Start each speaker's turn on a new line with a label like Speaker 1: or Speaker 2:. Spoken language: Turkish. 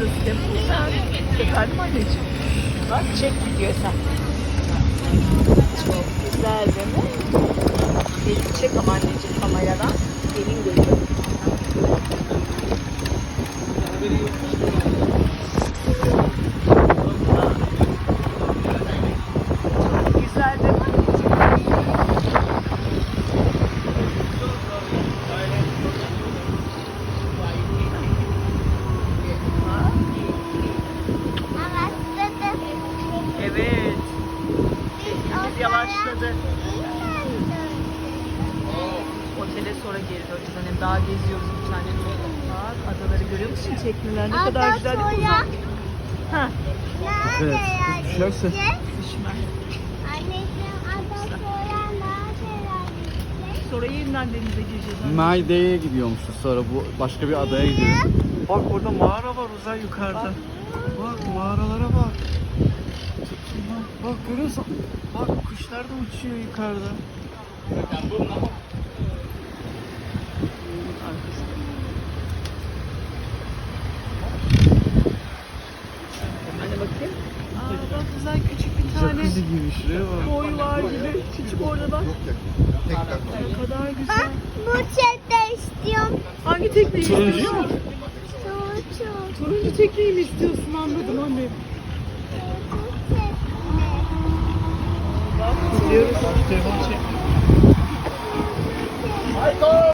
Speaker 1: burası Temple'da. Efendim anneciğim. Bak çek gidiyor sen. Çok güzel değil mi? Beni çek ama anneciğim kameradan. Gelin görüyor. Çok güzel değil mi? Evet. Teknemiz yavaşladı. Otele sonra geri döneceğiz. Hani daha geziyoruz bir tane. Bak adaları görüyor musun? Tekneler ne kadar güzel değil mi uzak? Ha,
Speaker 2: Evet. Düşerse.
Speaker 1: düşme.
Speaker 3: Anneciğim ada sonra nerede?
Speaker 1: Sonra yeniden denize gireceğiz.
Speaker 2: Maide'ye gidiyormuşuz sonra bu başka bir adaya gidiyoruz. Bak orada mağara var Uzay yukarıda. Bak mağaralara bak. Bak görüyorsun. Bak kuşlar da uçuyor yukarıda.
Speaker 1: Hadi bakayım. Aa, bak güzel küçük bir tane
Speaker 2: Jacuzzi gibi şuraya bak.
Speaker 1: koy var gibi. Küçük orada bak. Ne kadar güzel.
Speaker 3: Bak bu çete istiyorum.
Speaker 1: Hangi tekneyi
Speaker 2: Turuncu
Speaker 1: istiyorsun?
Speaker 2: mu?
Speaker 3: Çocuk.
Speaker 1: Turuncu tekneyi mi istiyorsun anladım anne.
Speaker 3: Bu çete.
Speaker 1: Bak gidiyoruz.
Speaker 2: Telefon çek.